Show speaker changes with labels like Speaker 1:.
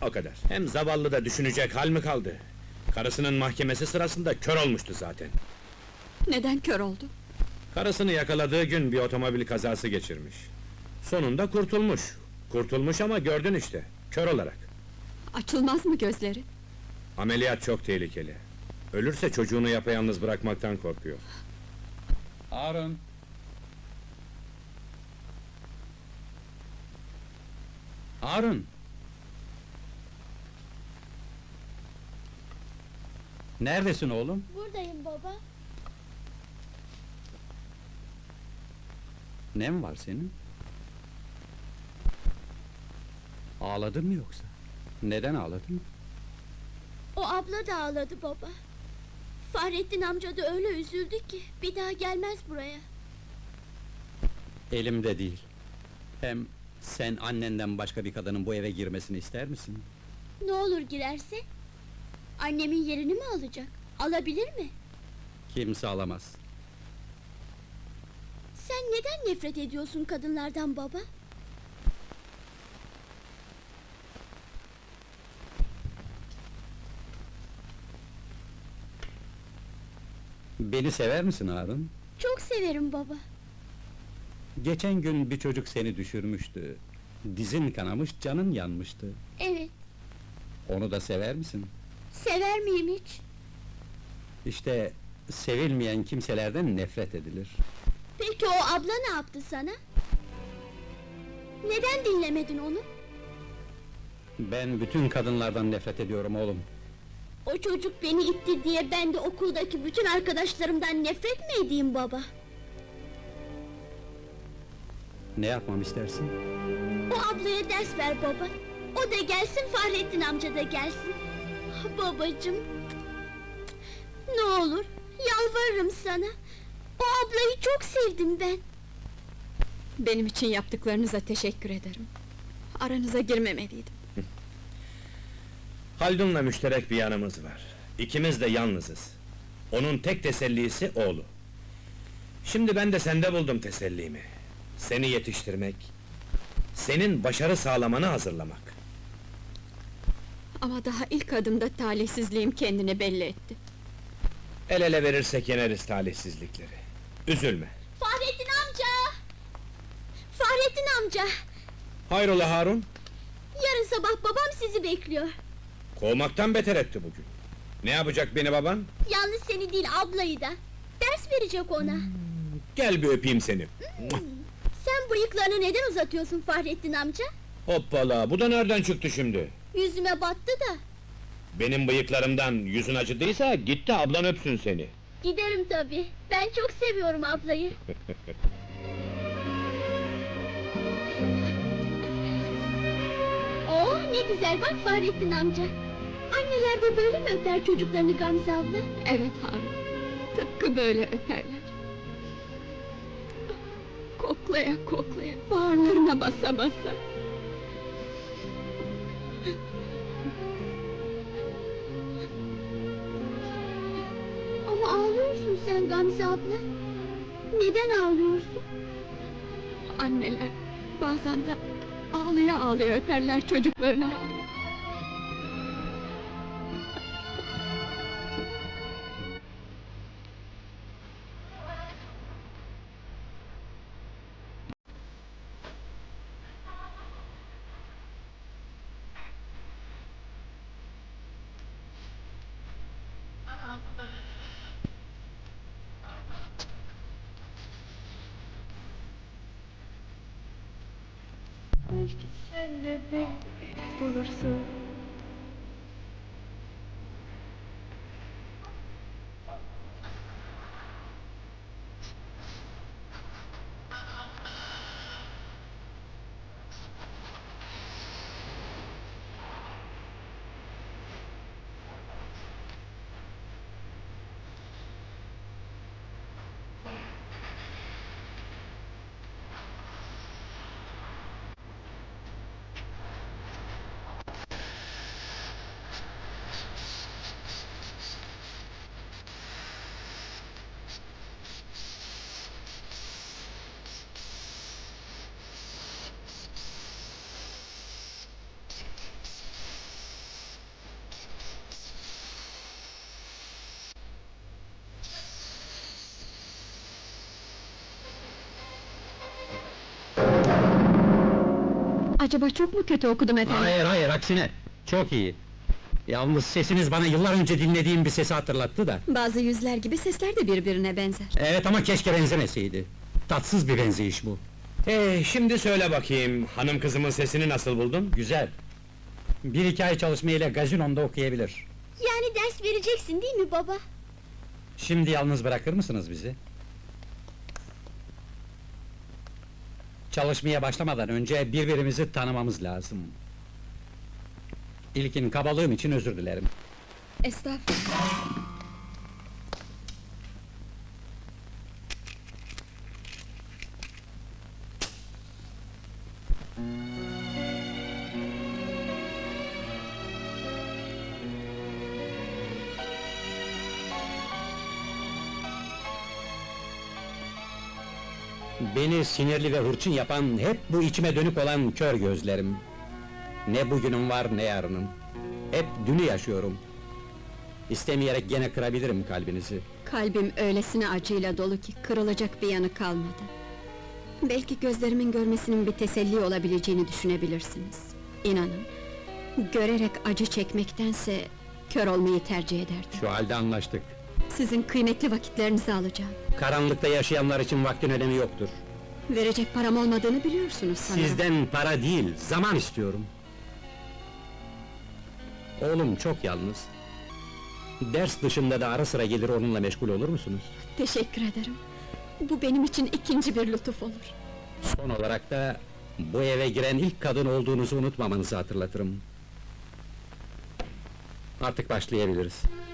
Speaker 1: O kadar. Hem zavallı da düşünecek hal mi kaldı? Karısının mahkemesi sırasında kör olmuştu zaten.
Speaker 2: Neden kör oldu?
Speaker 1: Karısını yakaladığı gün bir otomobil kazası geçirmiş. Sonunda kurtulmuş. Kurtulmuş ama gördün işte, kör olarak.
Speaker 2: Açılmaz mı gözleri?
Speaker 1: Ameliyat çok tehlikeli. Ölürse çocuğunu yapayalnız bırakmaktan korkuyor.
Speaker 3: Harun! Harun! Neredesin oğlum?
Speaker 4: Buradayım baba.
Speaker 3: Ne mi var senin? Ağladın mı yoksa? Neden ağladın?
Speaker 4: O abla da ağladı baba. Fahrettin amca da öyle üzüldü ki bir daha gelmez buraya.
Speaker 3: Elimde değil. Hem sen annenden başka bir kadının bu eve girmesini ister misin?
Speaker 4: Ne olur girerse? Annemin yerini mi alacak? Alabilir mi?
Speaker 3: Kimse alamaz.
Speaker 4: Sen neden nefret ediyorsun kadınlardan baba?
Speaker 3: Beni sever misin Harun?
Speaker 4: Çok severim baba.
Speaker 3: Geçen gün bir çocuk seni düşürmüştü. Dizin kanamış, canın yanmıştı.
Speaker 4: Evet,
Speaker 3: Onu da sever misin?
Speaker 4: sever miyim hiç?
Speaker 3: İşte sevilmeyen kimselerden nefret edilir.
Speaker 4: Peki o abla ne yaptı sana? Neden dinlemedin onu?
Speaker 3: Ben bütün kadınlardan nefret ediyorum oğlum.
Speaker 4: O çocuk beni itti diye ben de okuldaki bütün arkadaşlarımdan nefret mi edeyim baba?
Speaker 3: Ne yapmam istersin?
Speaker 4: O ablaya ders ver baba. O da gelsin, Fahrettin amca da gelsin. Ah, babacığım! Ne olur, yalvarırım sana. O ablayı çok sevdim ben.
Speaker 2: Benim için yaptıklarınıza teşekkür ederim. Aranıza girmemeliydim.
Speaker 1: Haldun'la müşterek bir yanımız var. İkimiz de yalnızız. Onun tek tesellisi oğlu. Şimdi ben de sende buldum tesellimi. Seni yetiştirmek, senin başarı sağlamanı hazırlamak.
Speaker 2: Ama daha ilk adımda talihsizliğim kendini belli etti.
Speaker 1: El ele verirsek yeneriz talihsizlikleri. Üzülme.
Speaker 4: Fahrettin amca! Fahrettin amca!
Speaker 1: Hayrola Harun?
Speaker 4: Yarın sabah babam sizi bekliyor.
Speaker 1: Kovmaktan beter etti bugün. Ne yapacak beni baban?
Speaker 4: Yalnız seni değil, ablayı da. Ders verecek ona.
Speaker 1: Gel bir öpeyim seni.
Speaker 4: Sen bıyıklarını neden uzatıyorsun Fahrettin amca?
Speaker 1: Hoppala, bu da nereden çıktı şimdi?
Speaker 4: Yüzüme battı da.
Speaker 1: Benim bıyıklarımdan yüzün acıdıysa git de ablan öpsün seni.
Speaker 4: Giderim tabii. Ben çok seviyorum ablayı. Oh, ne güzel, bak Fahrettin amca. Anneler de böyle mi öper çocuklarını Gamze abla?
Speaker 2: Evet Harun, tıpkı böyle öperler. Koklaya koklaya, bağırlarına basa basa.
Speaker 4: Ama ağlıyorsun sen Gamze abla. Neden ağlıyorsun?
Speaker 2: Anneler bazen de ağlaya ağlaya öperler çocuklarını.
Speaker 5: Belki sen de beni bulursun.
Speaker 2: Acaba çok mu kötü okudum efendim?
Speaker 3: Hayır hayır, aksine. Çok iyi. Yalnız sesiniz bana yıllar önce dinlediğim bir sesi hatırlattı da.
Speaker 2: Bazı yüzler gibi sesler de birbirine benzer.
Speaker 3: Evet ama keşke benzemeseydi. Tatsız bir benzeyiş bu.
Speaker 1: Şimdi söyle bakayım, hanım kızımın sesini nasıl buldun?
Speaker 3: Güzel. Bir iki ay çalışmayla gazino'nda okuyabilir.
Speaker 4: Yani ders vereceksin değil mi baba?
Speaker 3: Şimdi yalnız bırakır mısınız bizi? Çalışmaya başlamadan önce birbirimizi tanımamız lazım. İlkin kabalığım için özür dilerim.
Speaker 2: Estağfurullah.
Speaker 3: Beni sinirli ve hırçın yapan hep bu içime dönük olan kör gözlerim. Ne bugünüm var ne yarınım. Hep dünü yaşıyorum. İstemeyerek gene kırabilirim kalbinizi.
Speaker 2: Kalbim öylesine acıyla dolu ki kırılacak bir yanı kalmadı. Belki gözlerimin görmesinin bir teselli olabileceğini düşünebilirsiniz. İnanın, görerek acı çekmektense kör olmayı tercih ederdim.
Speaker 3: Şu halde anlaştık.
Speaker 2: Sizin kıymetli vakitlerinizi alacağım.
Speaker 3: Karanlıkta yaşayanlar için vaktin önemi yoktur.
Speaker 2: Verecek param olmadığını biliyorsunuz sanırım.
Speaker 3: Sizden para değil, zaman istiyorum. Oğlum çok yalnız. Ders dışında da ara sıra gelir onunla meşgul olur musunuz?
Speaker 2: Teşekkür ederim. Bu benim için ikinci bir lütuf olur.
Speaker 3: Son olarak da bu eve giren ilk kadın olduğunuzu unutmamanızı hatırlatırım. Artık başlayabiliriz.